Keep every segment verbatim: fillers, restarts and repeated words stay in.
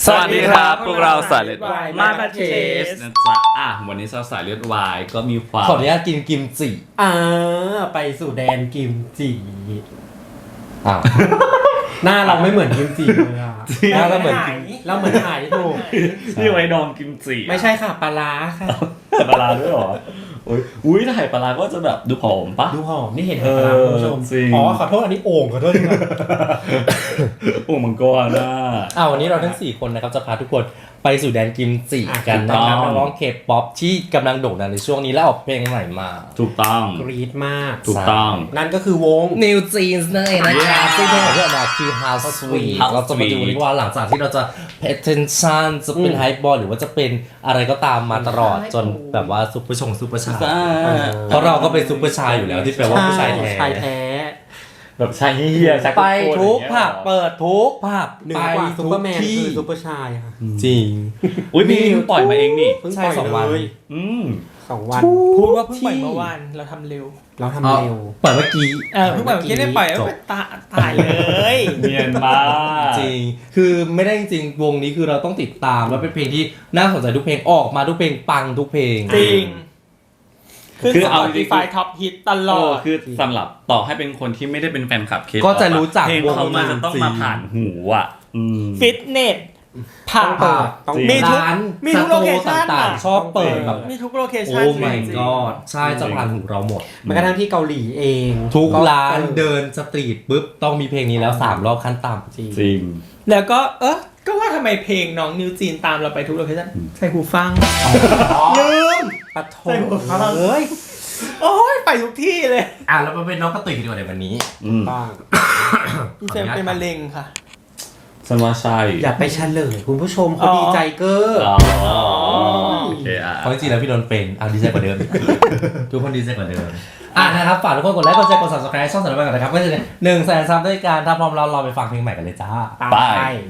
สวัสดีครับพวกเราสายเลือดวายมาบัตเทสนะจ๊ะอ่ะวันนี้สายเลือดวายก็มีความขออนุญาตกินกิมจิอ่าไปสู่แดนกิมจิอ้าวหน้าเราไม่เหมือนกิมจิเลยอ่ะหน้าเราเหมือนเราเหมือนหายถูกนี่ไว้ดองกิมจิไม่ใช่ค่ะปลาร้าค่ะปลาร้าด้วยหรอโอ้ยอุ้ยถ้าไข่ปลาร้าก็จะแบบดูผอมปะดูผอมนี่เห็นปลาร้าคุณผู้ชมอ๋อขอโทษอันนี้โอ่งขอโทษจริงโอ่งมังกรนะอ้าววันนี้เราทั้งสี่คนนะครับจะพาทุกคนไปสู่แดนกิมจิกันนะครับน้องเคป๊อปที่กำลังโด่งดังในช่วงนี้แล้วออกเพลงใหม่มาถูกต้องกรี๊ดมากถูกต้องนั่นก็คือวง New Jeans นั่นเองนะครับซึ่งเพลงของพวกเราคือ How Sweet เราจะมาดูกันว่าหลังจากที่เราจะ pay attention จะเป็น hype boy หรือว่าจะเป็นอะไรก็ตามมาตลอดจนแบบว่าซุปเปอร์ชงซุปเปอร์ชายเพราะเราก็เป็นซุปเปอร์ชายอยู่แล้วที่แปลว่าผู้ชายแท้ชายแท้แบบชายเฮียไปทุกผับเปิดทุกผับไปซุปเปอร์แมนคือซุปเปอร์ชายค่ะจริงอุ้ยมีปล่อยมาเองนี่เพิ่งปล่อยสองวันอืมสองวันพูดว่าเพิ่งปล่อยเมื่อวานเราทำเร็วเราทำเร็วปล่อยเมื่อกี้เออเพิ่งปล่อยเมื่อกี้ได้ปล่อยแล้วตาตายเลยเนียนมากจริงคือไม่ได้จริงวงนี้คือเราต้องติดตามแล้วเป็นเพลงที่น่าสนใจทุกเพลงออกมาทุกเพลงปังทุกเพลงจริงคือเอาดีไฟท็อปฮิตตลอดคือสำหรับต่อให้เป็นคนที่ไม่ได้เป็นแฟนคลับเคก็จะรู้จักวงเขามาจะต้องมาผ่านหูอ่ะฟิตเนสผ่านมีทุกมีทุกโลเคชั่นต่างๆชอบเปิดแบบมีทุกโลเคชั่นโอ้ my god ใช่จะผ่านหูเราหมดแม้กระทั่งที่เกาหลีเองทุกร้านเดินสตรีทปุ๊บต้องมีเพลงนี้แล้วสามรอบขั้นต่ำจริงแล้วก็เออก็ว่าทำไมเพลงน้องนิวจีนตามเราไปทุกโลเคชั่นใส่หูฟังลืมปะโถเอ้ยโอ้ยไปทุกที่เลยอ่ะแล้วมาเป็นน้องกระตุยดีกว่าในวันนี้บ้างพี่เซมเป็นมะเร็งค่ะฉันว่าใช่อย่าไปเฉลยคุณผู้ชมเขาดีใจเก้อโอเคอ่ะเพราะจริงๆแล้วพี่โดนเป็นเอาดีใจกว่าเดิมทุกคนดีใจกว่าเดิมอ่ะนะครับฝากทุกคนกดไลค์กดแชร์กด Subscribe ช่องสารบัญกันนะครับก็จะได้หนึ่งแสนซับด้วยกันถ้าพร้อมเราเราไปฟังเพลงใหม่กันเลยจ้าไป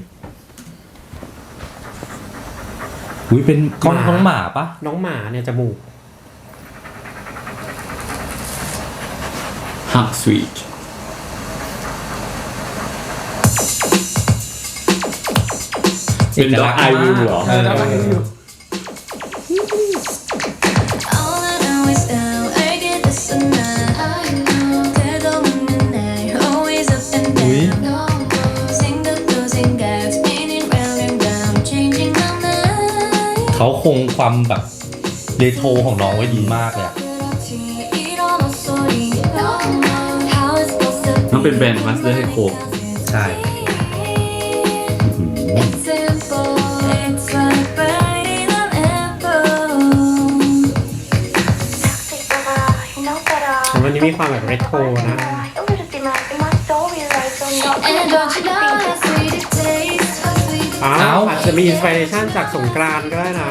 อุ้ยเป็นน้องหมาปะน้องหมาเนี่ยจมูก How sweet เป็นด็อกไอวิวเหรอเขาคงความแบบเรโทรของน้องไว้ดีมากเลยอะน้องเป็นแบรนด์มาสเตอร์ให้โคกใช่วันนี้มีความแบบเรโทรนะอ้าวอาจจะมีอินสปิเรชันจากสงกรานต์ก็ได้นะ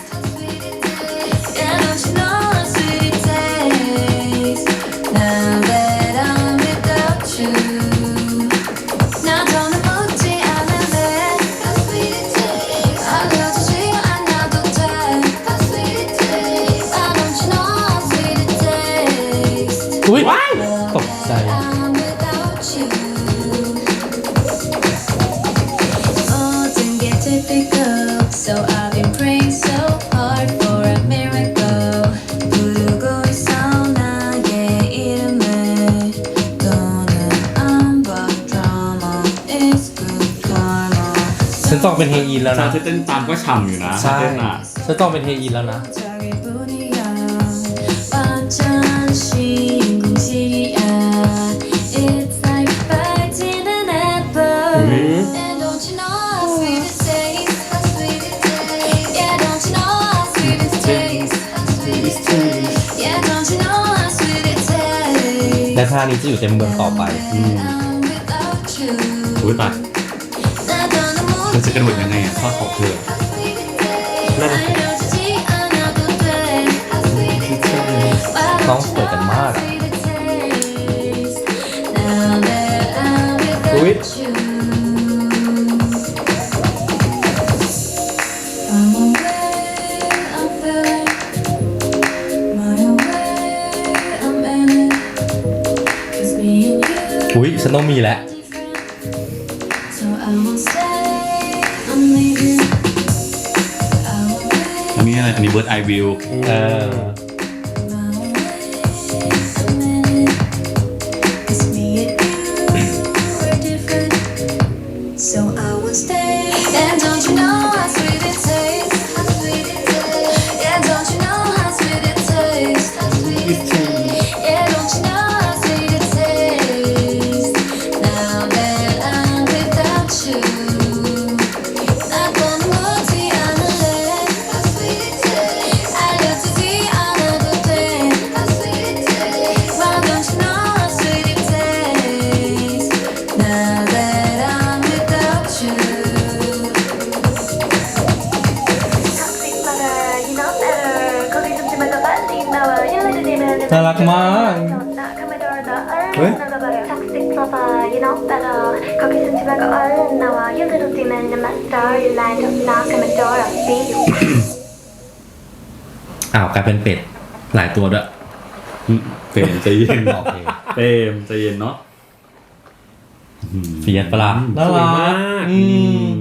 อุ้ยตกใจฉันต้องเป็นเฮอินแล้วนะฉันเต้นตามก็ฉ่ำอยู่นะใช่ฉันต้องเป็นเฮอินแล้วนะและท่านี้จะอยู่เต็มเมืองต่อไปอืมอุ้ยตายเธอจะกระโดดยังไงอ่ะข้อของเธอนั่นน้องสวยกันมากอุ้ยอุ้ยฉันต้องมีแล้วนี้อะไรอันนี้เบิร์ดไอวิวเออ So I will stay. And don't you know how sweet it tastes? How sweet it tastes. Yeah, don't you know how sweet it tastes? How sweet it tastes. Yeah, don't you know how sweet it tastes? Now that I'm without you, not gonna move the other leg. How sweet it tastes. I love to see another thing. How sweet it tastes. Why don't you know how sweet it tastes? Now that I'm without you. Toxic lover, you know better. 거기 좀 지나가봐리 나와. You let it in and น่ารักมาก 왜? Toxic lover, you know better. 거기 좀 지나가 얼른 나와. You little demon, you're my star. You lined up, knock on my door. I'll see you. อ้าวกลายเป็นเป็ดหลายตัวด้วยเฟรมใจเย็นโอเคเฟรมใจเย็นเนาะเฟียสปะล่ะน่าสวยรัมาก กอืม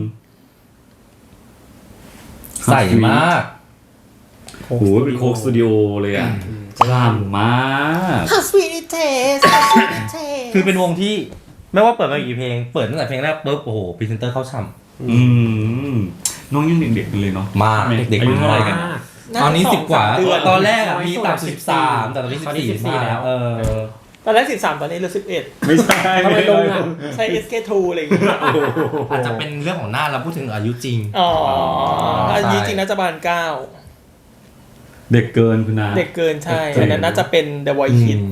ใส่มากโอ้โหเป็นโคกสตูดิโอเลยอ่ะฉ่ำมาก How sweet it tastes How sweet it tastes คือเป็นวงที่ไม่ว่าเปิดมากี่เพลง เปิดตั้งแต่เพลงแรกปุ๊บโอ้โหพรีเซนเตอร์เข้าช่อืมน้องยังเด็กๆอยู่เลยเนาะำมากเด็กอายุๆเท่าไหร่มากกันตอนนี้สิบกว่าเดือนตอนแรกอะน้อยมีสุดต่ำสิบสามแต่ตอนนี้สิตอนบนี้สี่สิบสี่แล้วเออตอนแรกสิบสามตอนนี้เหลือสิบเอ็ดไม่ใช่ทำไมลงอ่ะใช้ เอส เค ทู อะไรอย่างเงี้ยอาจจะเป็นเรื่องของหน้าเราพูดถึงอายุจริงอ๋อใช่อันนี้จริงน่าจะประมาณเก้าเด็กเกินคุณนาเด็กเกินใช่เด็กเกินอันนั้นน่าจะเป็น The Voice Kids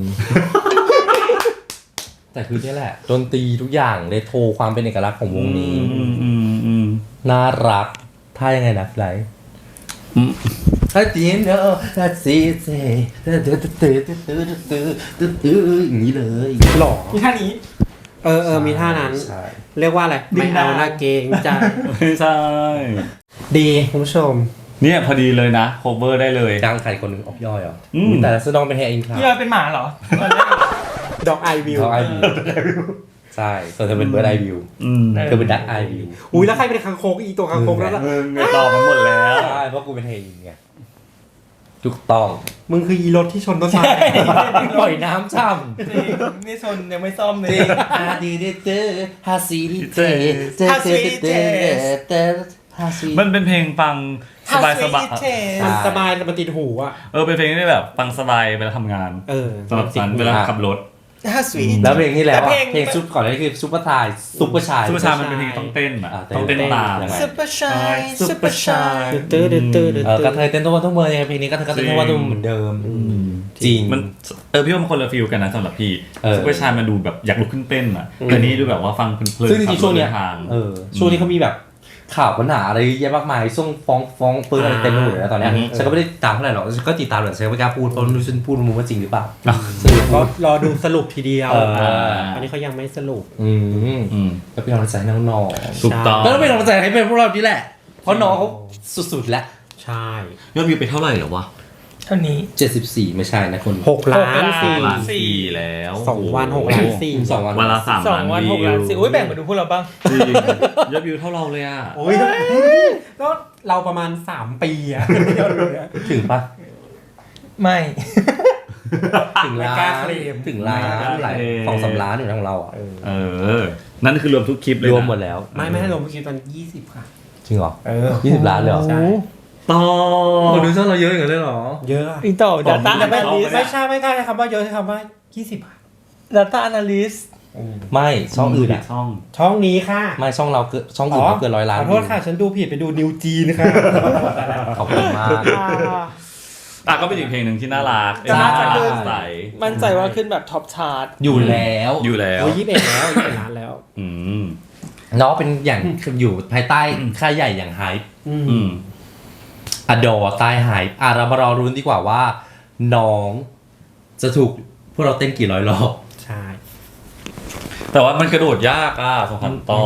แต่คือนี่แหละดนตรีทุกอย่างเลยโทรความเป็นเอกลักษณ์ของวงนี้อืมอืมอืมน่ารักถ้ายังไงนะไรอืมถ้าจีนเนอะถ้าซีเซ่ตื้อตื้อตื้อตื้อตื้อตื้อตื้ออย่างนี้เลยหล่อมีท่านี้เออเออมีท่านั้นใช่เรียกว่าอะไรดึไม่งเอาดาวหน้าเกรงใจไม่ใช่ดีคุณผู้ชมเนี่ยพอดีเลยนะโคเวอร์ได้เลยจ้างใครคนหนึ่งออกย่อยเหรออืมแต่ละซื้อน้องเป็นแฮร์อินครับพี่ยอยเป็นหมาเหรอดอกไอวิวเขาไอวิวใช่ส่วนเธอเป็นเบิร์ดไอวิวอืมเธอเป็นดักไอวิวอุ้ยแล้วใครเป็นคางคกอีตัวคางคกแล้วล่ะมึงไงตอบมันหมดแล้วใช่เพราะกูเป็นแฮร์อินไงถูกต้องมึงคืออีรถที่ชนต้นไม้ปล่อยน้ำช่จริงนี่ชนยังไม่ซ่อมเลำยจริงฮาดีดิเตอร์ฮาซีดิเตอร์เตอร์เตอร์เตอร์เตอร์ฮาซีมันเป็นเพลงฟังสบายสบาย How sweet it tastes มันสบายแต่มันติดหูอ่ะเออเป็นเพลงที่แบบฟังสบายเวลาทำงานเออสำหรับฉันเวลาขับรถ How sweet แล้วเพลงที่แล้วแต่อะเพลงเพลงซุปก่อนหน้านี้คือซุปเปอร์ชายซุปเปอร์ชายซุปเปอร์ชายมันเป็นเพลงต้องเต้นอะอ่าต้องเต้นตามยังไง Super Shy Super Shy ตื้อตื้อตื้อตื้อเออกระเทยเต้นทุกวันทุกเมื่อยังไงเพลงนี้กระเทยก็เต้นทุกวันทุกเมื่อเหมือนเดิมจริงมันเออพี่ว่ามันคนละฟีลกันนะสำหรับพี่เออซุปเปอร์ชายมันดูแบบอยากลุกขึ้นเต้นอ่ะแต่นี่ดูแบบว่าฟังเพลินๆซึ่งจริงๆช่วงเนี้ยขับรถดิทางเออช่วงนี้เขามีแบบข่าวปัญหาอะไรเยอะมากมายช่วงฟ้องฟ้องปืนอะไรเต็มไปหมดเลยนะตอนเนี้ยฉันก็ไม่ได้ตามเท่าไหร่หรอกฉันก็ติดตามแต่ฉันไม่กล้าพูดเพราะไม่รู้ฉันพูดมันว่าจริงหรือเปล่าสรุปก็ก็รอดูสรุปทีเดียวเอออันนี้เขายังไม่สรุปอืมอืมก็เป็นกำลังใจให้น้องถูกต้องๆแล้วก็เป็นกำลังใจให้เป็นพวกเรานี่แหละ เพราะน้องเขาสุดๆแล้วใช่ยอดวิวไปเท่าไหร่เหรอวะเท่านี้เจ็ดสิบสี่ไม่ใช่นะคนหกล้านหกล้านสี่ล้านสี่แล้วสองวันหกล้านสี่สองวันวันละสามสองล้านวันวิหกล้านสิวโอ้ยแบ่งมาดูพวกเราบ้างจริงยอดวิวเท่าเราเลยอ่ะโอ้ยก็เราประมาณสามปีอะถึงปะไม่ถึงล้าไม่กล้าน เคลมถึงล้านหลายสองสามล้านอยู่ของเราอ่ะเออ นั่นคือรวมทุกคลิปเลยรนะวมหมดแล้วไม่ไม่ให้ลงไปคิดตอนยี่สิบค่ะจริงเหรอเออยี่สิบล้านเลยเหรอใช่ต่อคนดูช่องเราเยอะอย่างนั้นเลยเหรอเยอะอะอีกต่อ Data ผมไม่ Analyst ไม่ใช่ไม่ใช่คำว่าเยอะใช้คำว่ายี่สิบอะ Data Analyst ไม่ช่องอื่นอ่ะช่องช่องนี้ค่ะไม่ช่องเราเกินช่องอื่นเราเกินร้อยล้านขอโทษค่ะ ฉันดูผิดไปดูนิวจีนค่ะขอบคุณมากอ่ะก็เป็นอีกเพลงหนึ่งที่น่ารักจะน่าจะน่าขึ้นใสมั่นใจว่าขึ้นแบบท็อปชาร์ตอยู่แล้วอยู่แล้วโอ้ยยี่สิบเอ็ดแล้วยี่สิบเอ็ดล้านแล้วอืมน้องเป็นอย่างอยู่ภายใต้ค่ายใหญ่อย่างไฮป์อือืมมอดอใต้ไฮป์อ่ะเรามารอรุ้นดีกว่าว่า น้องจะถูกพวกเราเต้นกี่ร้อยรอบใช่แต่ว่ามันกระโดดยากอ่ะสองพันต่อ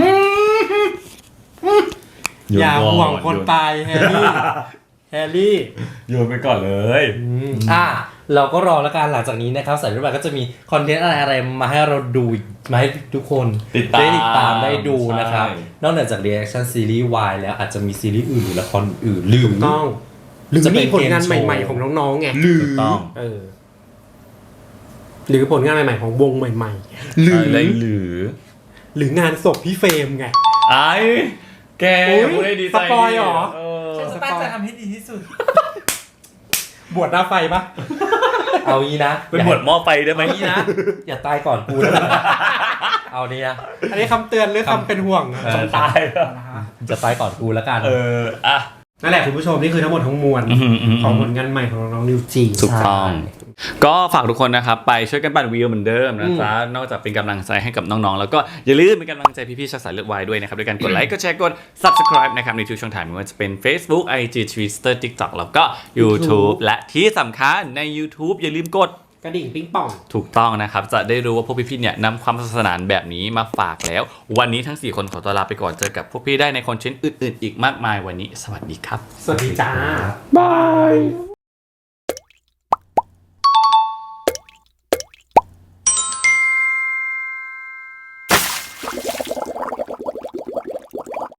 อย่าโนก่ห่วงคนไปแฮร์รี่ แฮร์รี่โยนไปก่อนเลยอ่ะเราก็รอแล้วกันหลังจากนี้นะครับสายรุ่นใหม่ก็จะมีคอนเทนต์อะไรอะไรมาให้เราดูมาให้ทุกคนติดตามได้ติดตามได้ดูนะครับใช่นอกเหนือจาก reaction ซีรีส์ วาย แล้วอาจจะมีซีรีส์อื่นหรือละครอื่นหรือต้องหรือจะเป็มีนผลงานเกมโชว์ใหม่ๆของน้องๆไงถูกต้องเออหรือผลงานใหม่ๆของวงใหม่หรืออะไรหรือๆ หรืองานศพพี่เฟรมไงไอ้แกโอ้ยพูดได้ดีใจสปอยเหรอเออฉันจะตั้งใจทำให้ดีที่สุดบวชหน้าไฟปะเอางี้นะเป็นบทหม้อไฟได้ไหมเอางี้นะ อย่าตายก่อนกูนะเอานี่นะอันนี้คำเตือนหรือคำเป็นห่วงเออตายแล้วจะตายก่อนกูแล้วกันเอออ่ะนั่นแหละคุณผู้ชมนี่คือทั้งหมดทั้งมวลอืมอืมของผลงานใหม่ของน้องนิวจีถูกต้อง ก็ฝากทุกคนนะครับไปช่วยกันปั่นวิวเหมือนเดิมนะจ๊ะนอกจากเป็นกำลังใจให้กับน้องๆแล้วก็อย่าลืมเป็นกำลังใจพี่ๆชาวสายเลือดวายด้วยนะครับด้วยการกดไลค์กดแชร์กด subscribe นะครับในทุกช่องทางไม่ว่าจะเป็น Facebook ไอ จี Twitter TikTok แล้วก็ YouTube และที่สำคัญใน YouTube อย่าลืมกดกระดิ่งปิ๊งป่องถูกต้องนะครับจะได้รู้ว่าพวกพี่ๆเนี่ยนำความสนุกสนานแบบนี้มาฝากแล้ว วันนี้ทั้งสี่คนขอตัวลาไปก่อนเจอกับพวกพี่ได้ในคอนเทนต์อื่นๆอีกมากมายวันนี้สวัสดีครับสวัสดีจ้าบาย